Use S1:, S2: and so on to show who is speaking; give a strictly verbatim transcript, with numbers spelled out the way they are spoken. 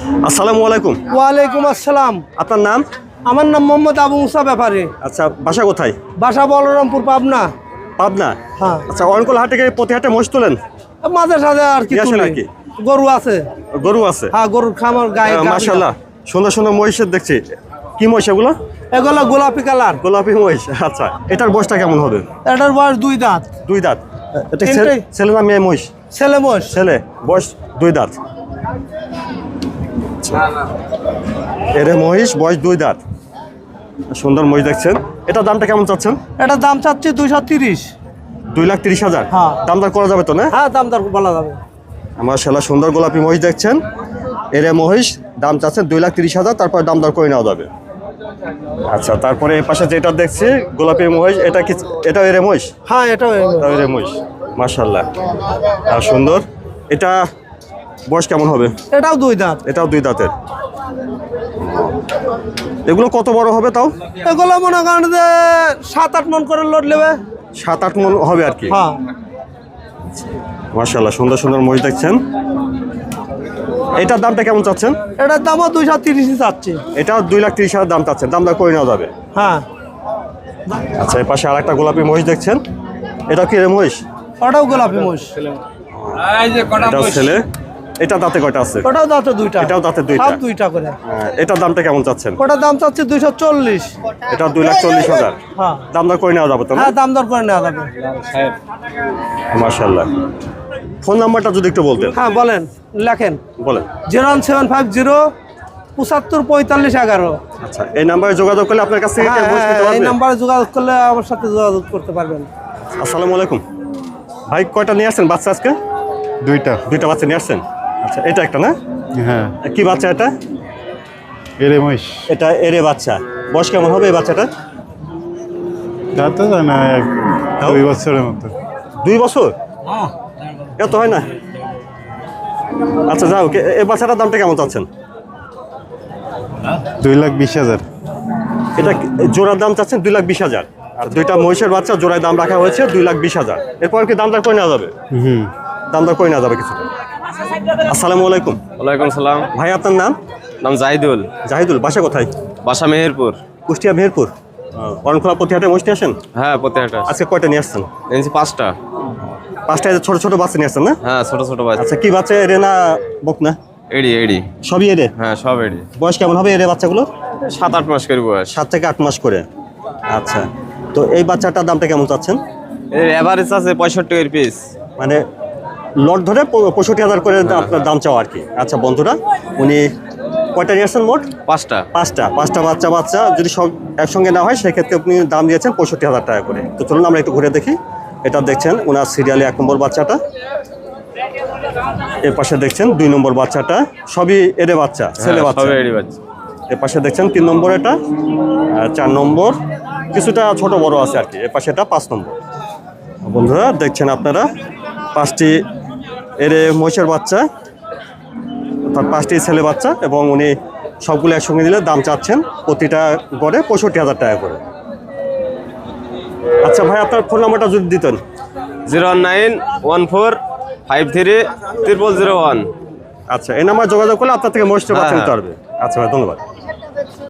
S1: আসসালামু আলাইকুম।
S2: ওয়ালাইকুম আসসালাম।
S1: আপনার নাম?
S2: আমার নাম মোহাম্মদ আবু মুসা ব্যাপারী।
S1: আচ্ছা, বাসা কোথায়?
S2: বাসা বলরামপুর, পাবনা।
S1: পাবনা?
S2: হ্যাঁ।
S1: আচ্ছা, অরণকুল হাটে গিয়ে প্রতি হাটে মোষ তোলেন?
S2: মাঝে সাঝে আর কি
S1: নিয়ে আসেন
S2: তুলি।
S1: নাকি?
S2: গরু আছে।
S1: গরু আছে?
S2: হ্যাঁ, গরুর খামার গায়ে।
S1: মাশাআল্লাহ, সুন্দর সুন্দর মহিষের দেখছি। কি মহিষ এগুলো?
S2: এগুলো গোলাপি কালার।
S1: গোলাপি মহিষ। আচ্ছা, এটার বয়সটা কেমন হবে?
S2: এটার বয়স দুই দাঁত।
S1: দুই দাঁত? এটা ছে-
S2: তিনটেই।
S1: ছেলে না মেয়ে মহিষ?
S2: ছেলে মোষ।
S1: ছেলে, বয়স দুই দাঁত। এরে মহিষ, বয়স দুই দাঁত। সুন্দর মহিষ দেখছেন। এটার দামটা কেমন চাচ্ছেন?
S2: এটার দাম চাচ্ছি দুইশো তিরিশ।
S1: দুই লাখ তিরিশ হাজার?
S2: হ্যাঁ।
S1: দাম দর করা যাবে তো না?
S2: হ্যাঁ, দাম দর বলা যাবে।
S1: মাশাআল্লাহ, সুন্দর গোলাপি মহিষ দেখছেন। এরে মহিষ, দাম চাচ্ছেন দুই লাখ তিরিশ হাজার, তারপরে দাম দর করে নেওয়া যাবে। আচ্ছা, তারপরে এই পাশে যেটা দেখছি গোলাপি মহিষ, এটা কি এটা এরে মহিষ?
S2: হ্যাঁ, এটাও
S1: এটাও এরে মহিষ। মাশাআল্লাহ, আর সুন্দর। এটা বয়স কেমন হবে?
S2: এটাও দুই দাঁত।
S1: এটাও দুই দাঁতের। এগুলো কত বড় হবে তাও?
S2: এগুলো মনে করেন যে সাত আট মন করে লোড নেবে।
S1: সাত আট মন হবে আর কি।
S2: হ্যাঁ।
S1: মাশাআল্লাহ, সুন্দর সুন্দর মহিষ দেখছেন। এটার দামটা কেমন চাচ্ছেন?
S2: এটার দামও দুইশো তিরিশই চাচ্ছি।
S1: এটাও দুই লাখ তিরিশ হাজার দাম চাচ্ছেন, দাম দর করে নেওয়া যাবে।
S2: হ্যাঁ।
S1: আচ্ছা, এই পাশে আর একটা গোলাপি মহিষ দেখছেন। এটা কি রে মহিষ?
S2: ওটাও গোলাপি মোষ।
S1: এটাও ছেলে। এটা দাঁতে কয়টা আছে?
S2: ওটাও দাঁতে দুইটা।
S1: এটাও দাঁতে দুইটা।
S2: সব দুইটা করে।
S1: হ্যাঁ, এটার দামটা কেমন চাচ্ছেন?
S2: ওটার দাম চাচ্ছি দুইশো চল্লিশ।
S1: এটা দুই লাখ চল্লিশ হাজার।
S2: হ্যাঁ।
S1: দাম দর করে নেওয়া যাবে তো না?
S2: হ্যাঁ, দাম দর করে নেওয়া যাবে।
S1: মাশাআল্লাহ। ফোন নাম্বারটা যদি একটু বলতেন।
S2: হ্যাঁ, বলেন, লেখেন।
S1: বলেন।
S2: Zero one seven five zero পঁচাত্তর পঁয়তাল্লিশ এগারো।
S1: আচ্ছা, এই নাম্বারে যোগাযোগ করলে আপনার কাছ থেকে
S2: হ্যাঁ,
S1: মহিষ নিতে
S2: হ্যাঁ, এই
S1: পারবে?
S2: নাম্বারে যোগাযোগ করলে আমার সাথে যোগাযোগ করতে পারবেন।
S1: আসসালামু আলাইকুম ভাই, কয়টা নিয়ে আসছেন বাচ্চা আজকে?
S3: দুইটা।
S1: দুইটা বাচ্চা নিয়ে আসছেন? আচ্ছা, এটা একটা না?
S3: হ্যাঁ।
S1: কি বাচ্চা এটা?
S3: এরে মহিষ।
S1: এটা এরে বাচ্চা। বয়স কেমন হবে এই বাচ্চাটা?
S3: তা তো জানা দুই বছরের মতো।
S1: দুই বছর? এত হয় না? আচ্ছা, যাও, এই বাচ্চাটার দামটা কেমন চাচ্ছেন?
S3: দুই লাখ বিশ হাজার।
S1: এটা জোড়ার দাম চাচ্ছেন দুই লাখ বিশ হাজার, আর দুইটা মহিষের বাচ্চা জোড়ায় দাম রাখা হয়েছে দুই লাখ বিশ হাজার। এরপর কি দাম দর করে নেওয়া যাবে?
S3: হুম।
S1: দাম দর করে নেওয়া যাবে কিছুটা। আসসালামু আলাইকুম।
S4: ওয়ালাইকুম সালাম।
S1: ভাই, আপনার নাম?
S4: নাম জাহিদুল।
S1: জাহিদুল, বাসা কোথায়?
S4: বাসা মেহেরপুর।
S1: কুষ্টিয়া মেহেরপুর। অরণখোলা প্রতি হাটে মহিষ নিয়ে আসেন?
S4: হ্যাঁ, প্রত্যেকটা
S1: আজকে কয়টা নিয়ে আসছেন?
S4: এনেছি পাঁচটা।
S1: পাঁচটা ছোট ছোট বাচ্চা নিয়ে আসছেন না?
S4: হ্যাঁ, ছোট ছোট বাচ্চা।
S1: আচ্ছা, কি বাচ্চা এরে না বক না?
S4: এডি এডি।
S1: সবই এরে?
S4: হ্যাঁ, সব এডি।
S1: বয়স কেমন হবে এরে বাচ্চাগুলো?
S4: সাত আট মাস করে বয়স।
S1: সাত থেকে আট মাস করে। আচ্ছা, তো এই বাচ্চাটার দামটা কেমন চাচ্ছেন?
S4: এর এভারেজ আছে পঁয়ষট্টি এর পিস।
S1: মানে লট ধরে পঁয়ষট্টি হাজার করে আপনার দাম চাও আর কি। আচ্ছা বন্ধুরা, উনি কয়টা নিয়ে আসছেন মোট?
S4: পাঁচটা।
S1: পাঁচটা পাঁচটা বাচ্চা বাচ্চা যদি সব একসঙ্গে না হয় সেক্ষেত্রে আপনি দাম দিয়েছেন পঁয়ষট্টি হাজার টাকা করে। তো চলুন আমরা একটু ঘুরে দেখি। এটা দেখছেন ওনার সিরিয়ালে এক নম্বর বাচ্চাটা, এর পাশে দেখছেন দুই নম্বর বাচ্চাটা, সবই এরে বাচ্চা, ছেলে বাচ্চা।
S4: সব এডি বাচ্চা।
S1: এর পাশে দেখছেন তিন নম্বর, এটা আর চার নম্বর, কিছুটা ছোট বড় আছে আর কি। এর পাশে এটা পাঁচ নম্বর। বন্ধুরা দেখছেন আপনারা পাঁচটি এরে মহিষের বাচ্চা, অর্থাৎ পাঁচটি ছেলে বাচ্চা, এবং উনি সবগুলো একসঙ্গে দিলে দাম চাচ্ছেন প্রতিটা গড়ে পঁয়ষট্টি হাজার টাকা করে। আচ্ছা ভাই, আপনার ফোন নাম্বারটা যদি দিতেন।
S4: Zero one nine one four five three triple zero one.
S1: আচ্ছা, এই নাম্বার যোগাযোগ করলে আপনার থেকে মহিষের বাচ্চা নিতে পারবে। আচ্ছা ভাই, ধন্যবাদ।